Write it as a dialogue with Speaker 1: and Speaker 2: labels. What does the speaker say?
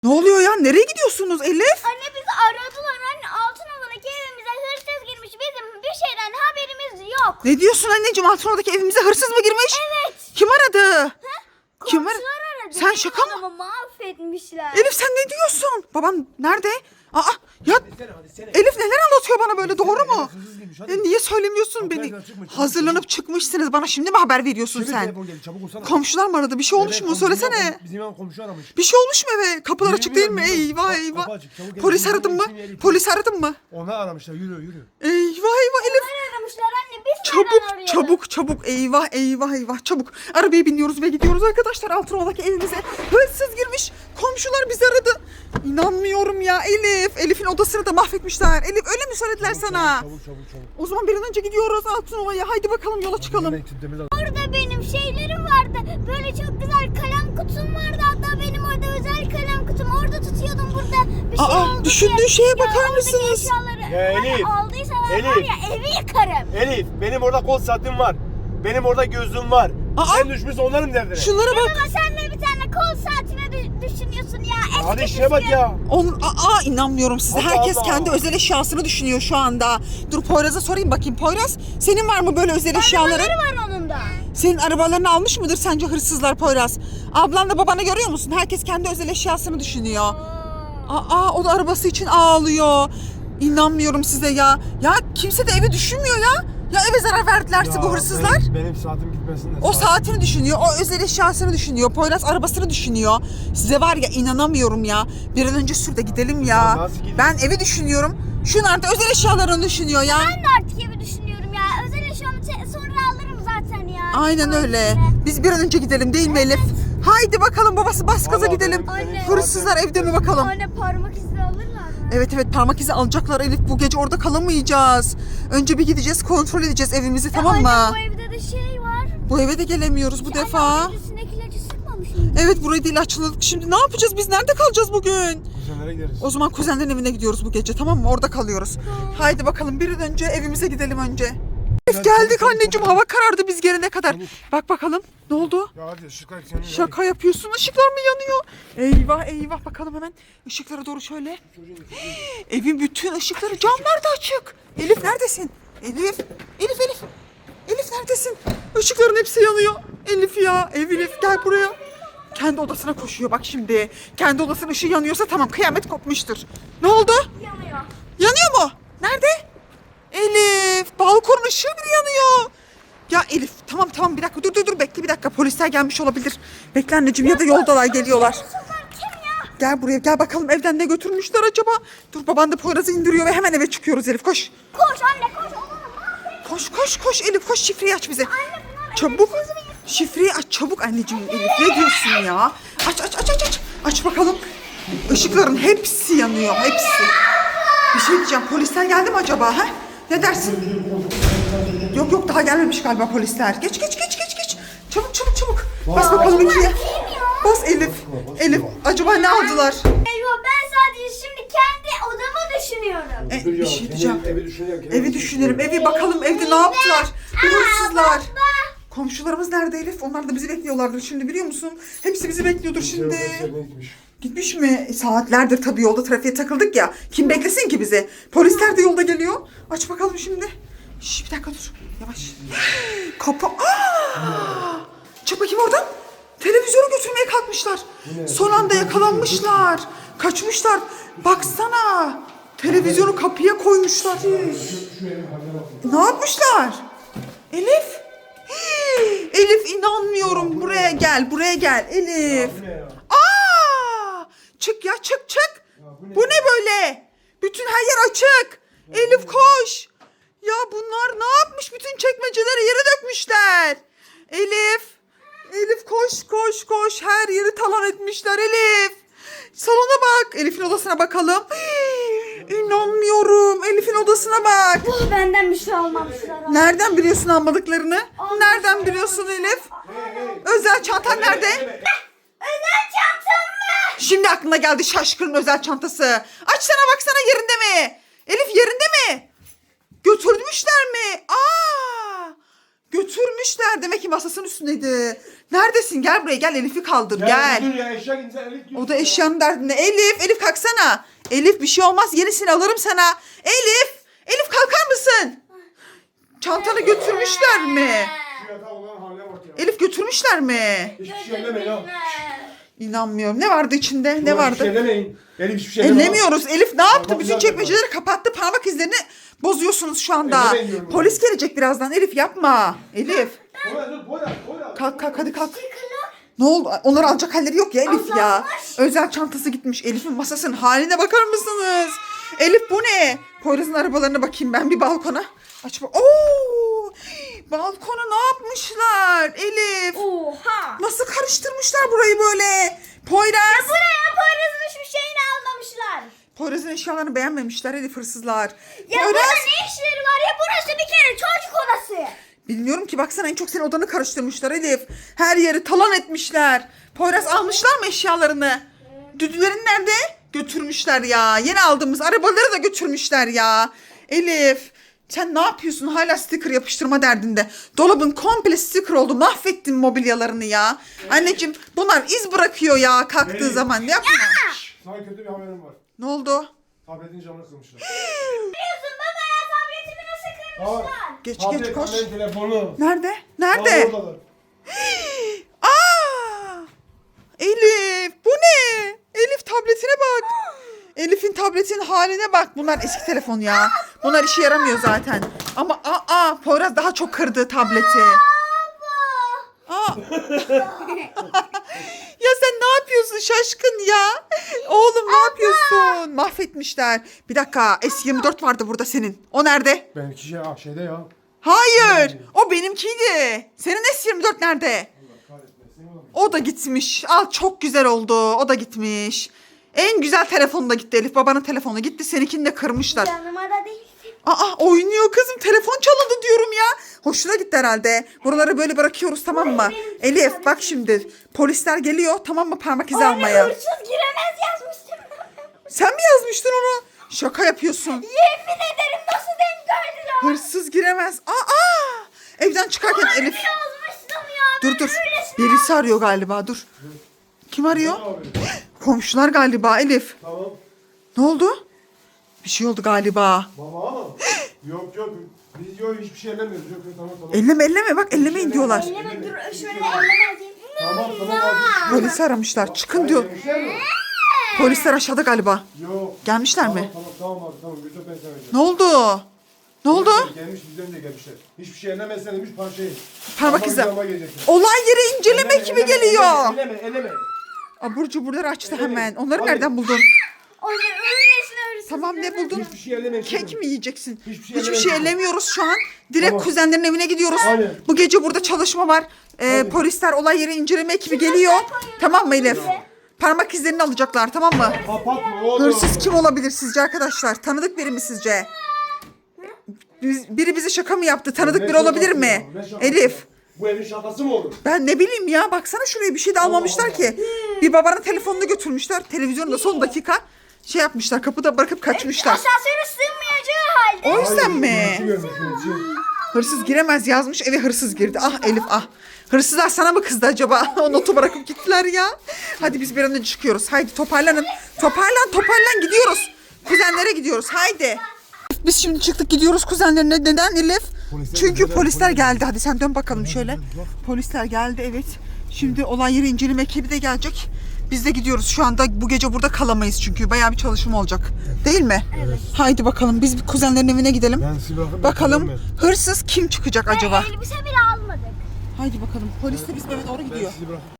Speaker 1: Ne oluyor ya? Nereye gidiyorsunuz Elif?
Speaker 2: Anne bizi aradılar anne. Altınova'daki evimize hırsız girmiş. Bizim bir şeyden haberimiz yok.
Speaker 1: Ne diyorsun anneciğim? Altınova'daki evimize hırsız mı girmiş?
Speaker 2: Evet.
Speaker 1: Kim aradı? Kim aradı?
Speaker 2: Komşular aradı.
Speaker 1: Sen şaka mı?
Speaker 2: Adamı mahvetmişler.
Speaker 1: Elif sen ne diyorsun? Baban nerede? Aa ya Elif neler anlatıyor bana böyle, doğru mu? Ya niye söylemiyorsun beni? Hazırlanıp çıkmışsınız, bana şimdi mi haber veriyorsun sen? Komşular mı aradı? Bir şey olmuş mu? Söylesene.
Speaker 3: Bizim ev komşu aramış.
Speaker 1: Bir şey olmuş mu eve? Kapılar açık değil mi? Eyvah eyvah. Polis aradın mı? Polis aradın mı?
Speaker 3: Ona aramışlar, yürü.
Speaker 1: Eyvah eyvah Elif.
Speaker 2: Onlar aramışlar anne. Biz nereden
Speaker 1: Çabuk
Speaker 2: arayalım?
Speaker 1: çabuk çabuk, eyvah eyvah eyvah, çabuk. Arabaya biniyoruz ve gidiyoruz arkadaşlar, Altınova'daki evimize hırsız girmiş. Komşular bizi aradı. İnanmıyorum ya Elif. Elif'in odasını da mahvetmişler. Elif öyle mi söylediler sana?
Speaker 3: Çabuk.
Speaker 1: O zaman bir an önce gidiyoruz Altınova'ya. Haydi bakalım yola çıkalım.
Speaker 2: Orada benim şeylerim vardı. Böyle çok güzel kalem kutum vardı. Hatta benim orada özel kalem kutum. Orada tutuyordum burada. Bir şey
Speaker 1: Aa,
Speaker 2: oldu
Speaker 1: düşündüğün
Speaker 2: diye.
Speaker 1: şeye
Speaker 2: Ya
Speaker 1: bakar
Speaker 2: oradaki
Speaker 1: mısınız?
Speaker 2: eşyaları
Speaker 3: Ya
Speaker 2: hani
Speaker 3: Elif,
Speaker 2: aldıysalar var
Speaker 3: Elif.
Speaker 2: ya evi yıkarım.
Speaker 3: Elif, benim orada kol saatim var. Benim orada gözlüğüm var.
Speaker 1: Aa!
Speaker 3: Sen düşmüşsün onların derdine.
Speaker 1: Şunlara bak.
Speaker 2: Ama sen de bir tane kol saatine düşünüyorsun ya. Eski
Speaker 3: Hadi işe bak ya.
Speaker 1: İnanmıyorum size.
Speaker 3: Allah
Speaker 1: Herkes
Speaker 3: Allah.
Speaker 1: kendi özel eşyasını düşünüyor şu anda. Dur Poyraz'a sorayım bakayım. Poyraz, senin var mı böyle özel eşyaların?
Speaker 2: Arabaları var onun da.
Speaker 1: Senin arabalarını almış mıdır sence hırsızlar Poyraz? Ablanla babanı görüyor musun? Herkes kendi özel eşyasını düşünüyor. O da arabası için ağlıyor. İnanmıyorum size ya. Ya kimse de evi düşünmüyor ya. Ya eve zarar verdilerse
Speaker 3: Ya
Speaker 1: bu hırsızlar.
Speaker 3: Benim saatim gitmesin de.
Speaker 1: O saatini düşünüyor, o özel eşyasını düşünüyor, Poyraz arabasını düşünüyor. Size var ya, inanamıyorum ya. Bir an önce sür de gidelim ya.
Speaker 3: Nasıl gidelim?
Speaker 1: Ben evi düşünüyorum. Şunlar da özel eşyalarını düşünüyor ya.
Speaker 2: Ben de artık evi düşünüyorum ya. Özel eşyamı sonra alırım zaten ya.
Speaker 1: Aynen öyle. Biz bir an önce gidelim değil mi Elif? Haydi bakalım babası, bas gaza
Speaker 3: Vallahi
Speaker 1: gidelim.
Speaker 2: Anne.
Speaker 1: Hırsızlar evde mi bakalım?
Speaker 2: Anne parmak izi alırlar mı?
Speaker 1: Evet parmak izi alacaklar Elif. Bu gece orada kalamayacağız. Önce bir gideceğiz, kontrol edeceğiz evimizi, tamam mı?
Speaker 2: Anne bu evde de şey var.
Speaker 1: Bu eve de gelemiyoruz bu defa.
Speaker 2: Anne üstündeki ilacı sıkmamış mı?
Speaker 1: Evet, burayı da ilaçladık. Şimdi ne yapacağız? Biz nerede kalacağız bugün?
Speaker 3: Kuzenlere gideriz.
Speaker 1: O zaman kuzenlerin evine gidiyoruz bu gece, tamam mı? Orada kalıyoruz. Haydi bakalım bir an önce evimize gidelim önce. Elif geldik anneciğim, hava karardı biz gelene kadar. Bak bakalım ne oldu?
Speaker 3: Ya hadi ışıklar yanıyor.
Speaker 1: Şaka yapıyorsun, ışıklar mı yanıyor? Eyvah eyvah, bakalım hemen ışıklara doğru şöyle. Evin bütün ışıkları, camlar da açık. Elif neredesin? Elif Elif neredesin? Işıkların hepsi yanıyor. Elif ya, Elif gel buraya. Kendi odasına koşuyor bak şimdi. Kendi odasının ışığı yanıyorsa tamam, kıyamet kopmuştur. Ne oldu?
Speaker 2: Yanıyor.
Speaker 1: Yanıyor mu? Nerede? Elif, balkonun ışığı bile yanıyor. Ya Elif, tamam bir dakika, dur bekle bir dakika, polisler gelmiş olabilir. Bekle anneciğim, ya da yoldalar, geliyorlar.
Speaker 2: Kim ya?
Speaker 1: Gel buraya, gel bakalım evden ne götürmüşler acaba? Dur, baban da Poyraz'ı indiriyor ve hemen eve çıkıyoruz Elif, koş.
Speaker 2: Koş anne koş. Onu mahvet.
Speaker 1: Koş Elif, koş, şifreyi aç bize.
Speaker 2: Anne bunlar
Speaker 1: Çabuk. Şifreyi aç çabuk anneciğim Elif. Ne diyorsun ya? Aç. Aç bakalım. Işıkların hepsi yanıyor, hepsi. Bir şey diyeceğim, polisler geldi mi acaba ha? Ne dersin? Yok daha gelmemiş galiba polisler. Geç. Çabuk. Bas bakalım ikiye. Bas Elif. Acaba ne aldılar?
Speaker 2: Eyvah ben sadece şimdi kendi odamı düşünüyorum.
Speaker 1: Bir şey diyeceğim.
Speaker 3: Evi düşünüyorum.
Speaker 1: Evi düşünelim. Evi bakalım, evde ne yaptılar? Bu hırsızlar. Komşularımız nerede Elif? Onlar da bizi bekliyorlardır şimdi, biliyor musun? Hepsi bizi bekliyordur şimdi. Gitmiş mi? Saatlerdir tabii yolda trafiğe takıldık ya. Kim beklesin ki bizi? Polisler de yolda geliyor. Aç bakalım şimdi. Bir dakika dur. Yavaş. Kapı. Çık bakayım oradan. Televizyonu götürmeye kalkmışlar. Son anda yakalanmışlar. Kaçmışlar. Baksana. Televizyonu kapıya koymuşlar. Ne yapmışlar? Elif. Elif inanmıyorum. Buraya gel Elif. Çık ya, çık. Bu ne böyle? Bütün her yer açık. Elif koş. Ya bunlar ne yapmış? Bütün çekmeceleri yere dökmüşler. Elif koş. Her yeri talan etmişler Elif. Salona bak. Elif'in odasına bakalım. İnanmıyorum. Elif'in odasına bak.
Speaker 2: Benden bir şey almamışlar.
Speaker 1: Nereden biliyorsun almadıklarını? Nereden biliyorsun Elif? Özel çantan nerede?
Speaker 2: Özel çantam mı?
Speaker 1: Şimdi aklına geldi şaşkının özel çantası. Açsana baksana, yerinde mi? Elif yerinde mi? Götürmüşler mi? Götürmüşler. Demek ki masasının üstündeydi. Neredesin? Gel buraya gel. Elif'i kaldır. Gel.
Speaker 3: Dur ya eşya gidince Elif diyorsun
Speaker 1: O da
Speaker 3: ya.
Speaker 1: eşyanın derdinde. Elif kalksana. Elif bir şey olmaz. Yenisini alırım sana. Elif kalkar mısın? Çantanı götürmüşler mi?
Speaker 3: Şu yatağa olan haline bak ya.
Speaker 1: Elif götürmüşler mi?
Speaker 3: Hiçbir şey ellemeyin ha.
Speaker 1: İnanmıyorum. Ne vardı içinde? Ne
Speaker 3: Hiçbir şey
Speaker 1: vardı?
Speaker 3: ellemeyin. Elif hiçbir şey elleme.
Speaker 1: Ellemiyoruz. Elif ne yaptı?
Speaker 3: Tamam,
Speaker 1: Bütün
Speaker 3: güzel
Speaker 1: çekmeceleri kapattı. Parmak izlerini bozuyorsunuz şu anda.
Speaker 3: Ellemeyin diyorum.
Speaker 1: Polis gelecek birazdan. Elif yapma. Elif.
Speaker 3: Boyla.
Speaker 1: Kalk hadi kalk. Ne oldu? Onları alacak halleri yok ya Elif ya. Özel çantası gitmiş. Elif'in masasının haline bakar mısınız? Elif bu ne? Poyraz'ın arabalarına bakayım ben bir balkona. Aç bak. Oo! Balkona ne yapmışlar Elif?
Speaker 2: Oha.
Speaker 1: Nasıl karıştırmışlar burayı böyle? Poyraz.
Speaker 2: Buraya Poyraz'ın hiçbir şeyini almamışlar.
Speaker 1: Poyraz'ın eşyalarını beğenmemişler Elif hırsızlar.
Speaker 2: Ya burada ne işleri var ya, burası bir kere çocuk odası.
Speaker 1: Bilmiyorum ki, baksana en çok senin odanı karıştırmışlar Elif. Her yeri talan etmişler. Poyraz almışlar mı eşyalarını? Düdülerin nerede? Götürmüşler ya. Yeni aldığımız arabaları da götürmüşler ya. Elif sen ne yapıyorsun? Hala sticker yapıştırma derdinde. Dolabın komple sticker oldu. Mahvettin mobilyalarını ya. Anneciğim bunlar iz bırakıyor ya kalktığı
Speaker 3: Elif.
Speaker 1: zaman. Ne yapma?
Speaker 3: Sana kötü bir haberim var.
Speaker 1: Ne oldu?
Speaker 3: Tabletin camını kırmışlar.
Speaker 2: Biliyorsun baba ya, tabletimi nasıl kırmışlar?
Speaker 1: Geç
Speaker 3: Tablet,
Speaker 1: koş.
Speaker 3: annen telefonu.
Speaker 1: Nerede?
Speaker 3: Aa,
Speaker 1: Nerede?
Speaker 3: oradalar.
Speaker 1: Aa! Elif bu ne? Elif tabletine bak. Elif'in tabletinin haline bak. Bunlar eski telefon ya. Bunlar işe yaramıyor zaten. Ama Poyraz daha çok kırdı tableti. Aa. Ya sen ne yapıyorsun şaşkın ya? Oğlum ne yapıyorsun? Mahvetmişler. Bir dakika, S24 vardı burada senin. O nerede?
Speaker 3: Benimki şeyde ya.
Speaker 1: Hayır. O benimkiydi. Senin S24 nerede? O da gitmiş. Al çok güzel oldu. O da gitmiş. En güzel telefonu da gitti Elif. Babanın telefonu gitti. Seninkini de kırmışlar.
Speaker 2: Yanıma da değil.
Speaker 1: Oynuyor kızım. Telefon çalındı diyorum ya. Hoşuna gitti herhalde. Buraları böyle bırakıyoruz tamam mı? Elif bak şimdi. Polisler geliyor tamam mı, parmak izi almaya.
Speaker 2: Hırsız giremez yazmıştım.
Speaker 1: Sen mi yazmıştın onu? Şaka yapıyorsun.
Speaker 2: Yemin ederim, nasıl denk geldiler?
Speaker 1: Hırsız giremez. Evden çıkarken Elif.
Speaker 2: Yazmıştım ya.
Speaker 1: Dur. Birisi arıyor galiba, dur. Kim arıyor? Komşular galiba Elif.
Speaker 3: Tamam.
Speaker 1: Ne oldu? Bir şey oldu galiba.
Speaker 3: Baba. Yok. Biz hiçbir şey ellemiyoruz. Yok tamam.
Speaker 1: Elleme bak, ellemeyin diyorlar.
Speaker 2: Elleme dur, şöyle ellemezeyim.
Speaker 3: Tamam.
Speaker 1: Polisi aramışlar. Çıkın diyor. Polisler aşağıda galiba.
Speaker 3: Yok.
Speaker 1: Gelmişler mi?
Speaker 3: Tamam abi tamam. Götür ben sana vereceğim.
Speaker 1: Ne oldu? Ne oldu?
Speaker 3: Gelmiş bizden de gelmişler. Hiçbir şey ellemezsen demiş parçayı.
Speaker 1: Parmak izi.
Speaker 3: Ama gelecekler.
Speaker 1: Olay yeri inceleme ekibi geliyor.
Speaker 3: Elleme.
Speaker 1: Abur cuburları açtı hemen. Onları nereden buldun?
Speaker 2: Onu öylesine hırsız.
Speaker 1: Tamam, ne buldun?
Speaker 3: Hiçbir şey ellemeyin.
Speaker 1: Kek mi yiyeceksin?
Speaker 3: Hiçbir şey
Speaker 1: Hiçbir şey
Speaker 3: ellemeyin.
Speaker 1: ellemiyoruz şu an. Direkt
Speaker 3: Tamam.
Speaker 1: kuzenlerin evine gidiyoruz.
Speaker 3: Aynen.
Speaker 1: Bu gece burada çalışma var. Polisler, olay yeri inceleme ekibi geliyor. Tamam mı Elif? Parmak izlerini alacaklar tamam mı?
Speaker 3: Kapatma oğlum.
Speaker 1: Hırsız kim olabilir sizce arkadaşlar? Tanıdık biri mi sizce? Biri bize şaka mı yaptı? Tanıdık
Speaker 3: Ne
Speaker 1: biri olabilir
Speaker 3: şakası
Speaker 1: mi?
Speaker 3: ya? Ne şakası
Speaker 1: Elif.
Speaker 3: ya? Bu evin şakası mı olur?
Speaker 1: Ben ne bileyim ya, baksana şuraya bir şey de almamışlar
Speaker 3: Allah.
Speaker 1: ki. Bir babanın telefonunu götürmüşler. Televizyonu da son dakika şey yapmışlar. Kapıda bırakıp kaçmışlar.
Speaker 2: Asansöre sığmayacağı halde.
Speaker 1: O yüzden mi?
Speaker 3: Şunu görmüş, şunu.
Speaker 1: Hırsız giremez yazmış, eve hırsız girdi. Ah Elif ah. Hırsızlar sana mı kızdı acaba? O notu bırakıp gittiler ya. Hadi biz bir an önce çıkıyoruz. Haydi toparlanın. Toparlan gidiyoruz. Kuzenlere gidiyoruz haydi. Biz şimdi çıktık gidiyoruz kuzenlerine. Neden Elif? Çünkü polisler geldi. Hadi sen dön bakalım şöyle. Polisler geldi evet. Şimdi olay yeri inceleme ekibi de gelecek. Biz de gidiyoruz. Şu anda bu gece burada kalamayız çünkü bayağı bir çalışma olacak. Değil mi? Evet. Haydi bakalım biz kuzenlerin evine gidelim.
Speaker 3: Ben sizi bırakıp
Speaker 1: Bakalım hırsız kim çıkacak acaba?
Speaker 2: Elbise bile almadık.
Speaker 1: Haydi bakalım. Polis de bizim eve doğru gidiyor.
Speaker 3: sizi bırak.